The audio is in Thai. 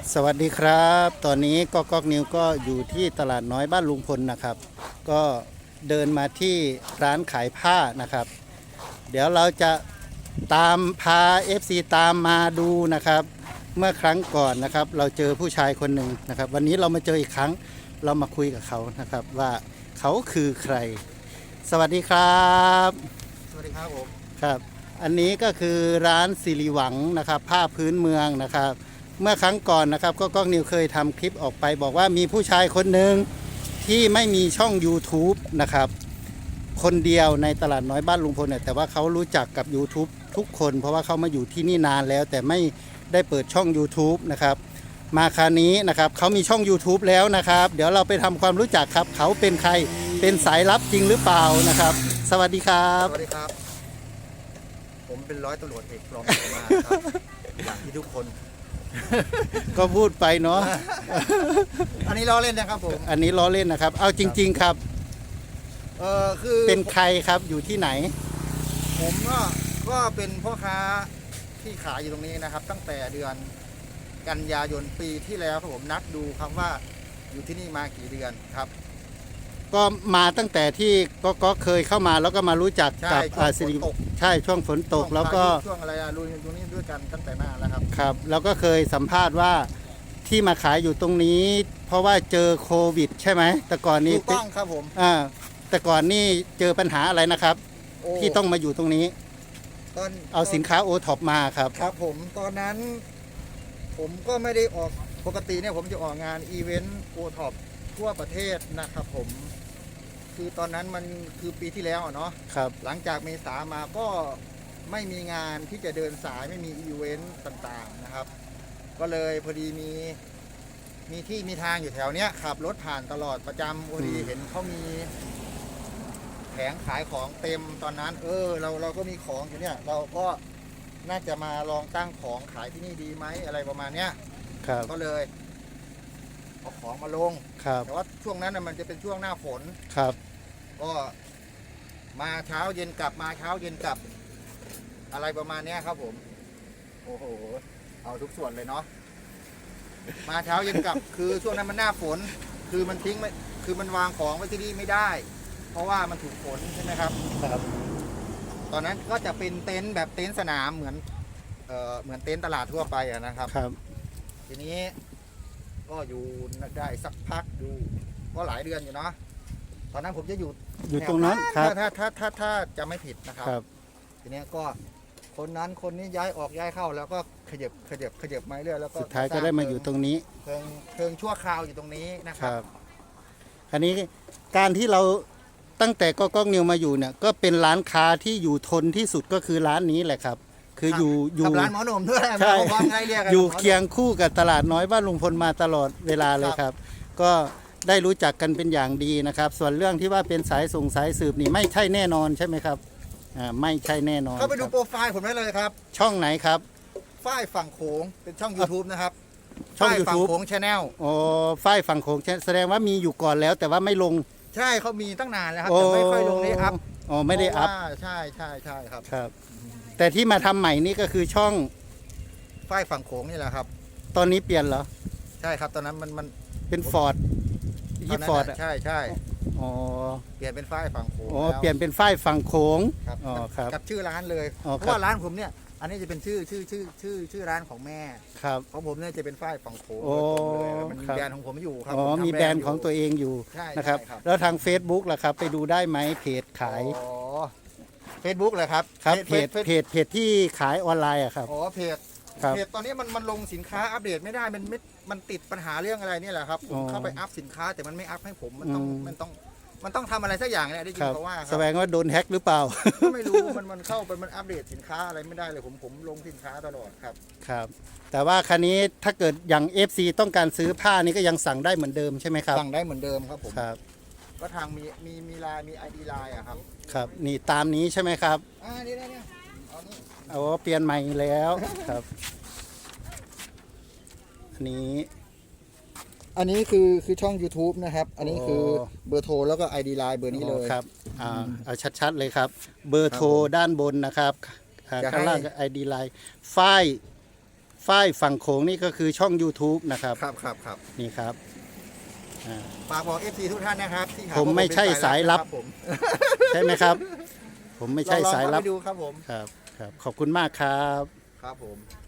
สวัสดีครับ ตอนนี้ก๊อกนิวก็อยู่ที่ตลาดน้อยบ้านลุงพลนะครับ ก็เดินมาที่ร้านขายผ้านะครับ เดี๋ยวเราจะตามพา FC ตามมาดูนะครับ เมื่อครั้งก่อนนะครับ เราเจอผู้ชายคนหนึ่งนะครับ วันนี้เรามาเจออีกครั้งเรามาคุยกับเขานะครับว่าเขาคือใคร สวัสดีครับสวัสดีครับผมครับ อันนี้ก็คือร้านสิริหวังนะครับผ้าพื้นเมืองนะครับ เมื่อครั้งก่อนนะครับก็ก้องนิวเคยทำคลิปออกไปบอกว่ามีผู้ชายคนหนึ่งที่ไม่มีช่อง YouTube นะครับคนเดียวในตลาดน้อยบ้านลุงพลเนี่ยแต่ว่าเขารู้จักกับ YouTube ทุกคนเพราะว่าเขามาอยู่ที่นี่นานแล้ว แต่ไม่ได้เปิดช่อง YouTube นะครับมาคราวนี้นะครับเขามีช่อง YouTube แล้วนะครับเดี๋ยวเราไปทำความรู้จักครับเขาเป็นใครเป็นสายลับจริงหรือเปล่านะครับสวัสดีครับสวัสดีครับ ผมเป็นร้อยตำรวจเอกปลอมตัวมาครับอย่างที่ทุกคนก็พูดไปเนาะอันนี้ล้อเล่นนะครับผมอันนี้ล้อเล่นนะครับเอาจริง ๆครับคือเป็นใครครับอยู่ที่ไหนผมก็เป็นพ่อค้าที่ขายอยู่ตรงนี้นะครับ ตั้งแต่เดือนกันยายนปีที่แล้วครับผมนับดูครับว่าอยู่ที่นี่มากี่เดือนครับก็มาตั้งแต่ที่ก็เคยเข้ามาแล้วก็มารู้จักใช่กับช่วงสิริฝนตกใช่ช่วงฝนตกแล้วก็ช่วงอะไรลุยตรงนี้ด้วยกันตั้งแต่หน้าแล้วครับครับแล้วก็เคยสัมภาษณ์ว่าที่มาขายอยู่ตรงนี้ เพราะว่าเจอโควิดใช่ไหมแต่ก่อนนี้ถูกต้องครับผมแต่ก่อนนี่เจอปัญหาอะไรนะครับโอ้ที่ต้องมาอยู่ตรงนี้ตอนเอาสินค้าโอท็อปมาครับครับผมตอนนั้นผมก็ไม่ได้ออกปกติเนี่ยผมจะออกงานอีเวนต์โอท็อปทั่วประเทศนะครับผมคือตอนนั้นมันคือปีที่แล้วอะเนาะครับหลังจากเมษามาก็ไม่มีงานที่จะเดินสายไม่มีอีเวนต์ต่างๆนะครับ ก็เลยพอดีมีที่มีทางอยู่แถวเนี้ยขับรถผ่านตลอดประจำพอดีเห็นเขามีแผงขายของเต็มตอนนั้น เราก็มีของอยู่เนี่ยเราก็น่าจะมาลองตั้งของขายที่นี่ดีไหมอะไรประมาณเนี้ยครับก็เลยเอาของมาลงครับแต่ว่าช่วงนั้นน่ะมันจะเป็นช่วงหน้าฝนครับก็มาเช้าเย็นกลับมาเช้าเย็นกลับ อะไรประมาณเนี้ยครับผม โอ้โหเอาทุกส่วนเลยเนาะมาเช้าเย็นกลับ คือช่วงนั้นมันหน้าฝน คือมันทิ้งไม่คือมันวางของไว้ที่นี่ไม่ได้ เพราะว่ามันถูกฝนใช่ไหมครับครับตอนนั้นก็จะเป็นเต็นท์แบบเต็นท์สนามเหมือนเต็นท์ตลาดทั่วไปอะนะครับครับทีนี้ก็อยู่ได้สักพักอยู่ก็หลายเดือนอยู่เนาะตอนนั้นผมจะอยู่อยู่ตรงนั้นครับถ้าจะไม่ผิดนะครับครับทีนี้ก็คนนั้นคนนี้ย้ายออกย้ายเข้าแล้วก็ขยับมาเรื่อยแล้วก็สุดท้ายก็ได้มาอยู่ตรงนี้เพิงชั่วคราวอยู่ตรงนี้นะคครับ รับคราวนี้การที่เราตั้งแต่ก้องนิวมาอยู่เนี่ยก็เป็นร้านค้าที่อยู่ทนที่สุดก็คือร้านนี้แหละครับ คืออยู่กับร้านหมอหนุ่มด้วยใช่ความไงเรียกกันอยู่หมหนุ่มเคียงคู่กับตลาดน้อยบ้านลุงพลมาตลอดเวลาเลยครับ ก็ได้รู้จักกันเป็นอย่างดีนะครับ ส่วนเรื่องที่ว่าเป็นสายส่งสายสืบนี่ไม่ใช่แน่นอนใช่ไหมครับไม่ใช่แน่นอนเข้าไปดูครับโปรไฟล์ผมได้เลยครับช่องไหนครับฝ้ายฝั่งโขงเป็นช่อง YouTube นะครับช่องฝ้ายฝั่ง YouTube โขงชาแนลอ๋อฝ้ายฝั่งโขงแสดงว่ามีอยู่ก่อนแล้วแต่ว่าไม่ลงใช่เขามีตั้งนานแล้วครับแต่ไม่ค่อยลงได้อัพอ๋อไม่ได้อัพเพราะว่าใช่ครับครับ แต่ที่มาทำใหม่นี่ก็คือช่องฝ้ายฝั่งโขงนี่แหละครับตอนนี้เปลี่ยนเหรอใช่ครับตอนนั้นมันเป็นฟอร์ดตที่อนนั้นฟอร์ดน่ะใช่อ๋อเปลี่ยนเป็นฝ้ายฝั่งโขงอ๋อแล้วเปลี่ยนเป็นฝ้ายฝั่งโขงครับอ๋อครับกับชื่อร้านเลยอ๋อเพครับราะว่าร้านผมเนี่ยอันนี้จะเป็นชื่อร้านของแม่ครับของผมเนี่ยจะเป็นฝ้ายฝั่งโขงโอ้เลยมันมีครับแบรนด์ของผมอยู่ครับอ๋อผทำมีแบรนด์ของตัวยู่เองอยู่ใช่นะครับใช่ครับแล้วทาง Facebook ล่ะครับ ไปดูได้ไหมเพจขายอ๋อเฟซบุ๊กเลยครับครับเพจที่ขายออนไลน์อะครับอ๋อเพจครับเพจตอนนี้มันลงสินค้าอัปเดตไม่ได้มันติดปัญหาเรื่องอะไรเนี่ยแหละครับผอ๋มอเข้าไปอัพสินค้าแต่มันไม่อัพให้ผมมันต้องอืมมันต้องทำอะไรสักอย่างเนี่ยได้ยิคน รับเขาว่าคแสรับดงว่าโดนแฮ็กหรือเปล่าก็ไม่รู้มันเข้าไปมันอัปเดตสินค้าอะไรไม่ได้เลยผมลงสินค้าตลอดครับครับ แต่ว่าคันนี้ถ้าเกิดอย่าง FC ต้องการซื้อผ้านี่ก็ยังสั่งได้เหมือนเดิมใช่ไหมครับสั่งได้เหมือนเดิมครับผมครับก็ทางมีไลน์มี ID ไลน์อะครับครับนี่ตามนี้ใช่ไหมครับนี่เนี่ยเอานี่เอาเปลี่ยนใหม่แล้วครับอันนี้อันนี้คือช่อง YouTube นะครับ อันนี้คือโอ้เบอร์โทรแล้วก็ ID ไลน์เบอร์นี้เลยครับเอาชัดๆเลยครับ เบอร์โทรครับผมด้านบนนะครับจะให้ข้างล่างก็ ID Line ฝ้ายฝ้ายฝั่งโขงนี่ก็คือช่อง YouTube นะครับครับนี่ครับอ่าฝากบอก FC ทุกท่านนะครับที่หาผมไม่ใช่สายลับผมใช่ไหมครับ ผมไม่ใช่สายลับลองเข้าไปดูครับผมครับครับขอบคุณมากครับครับผม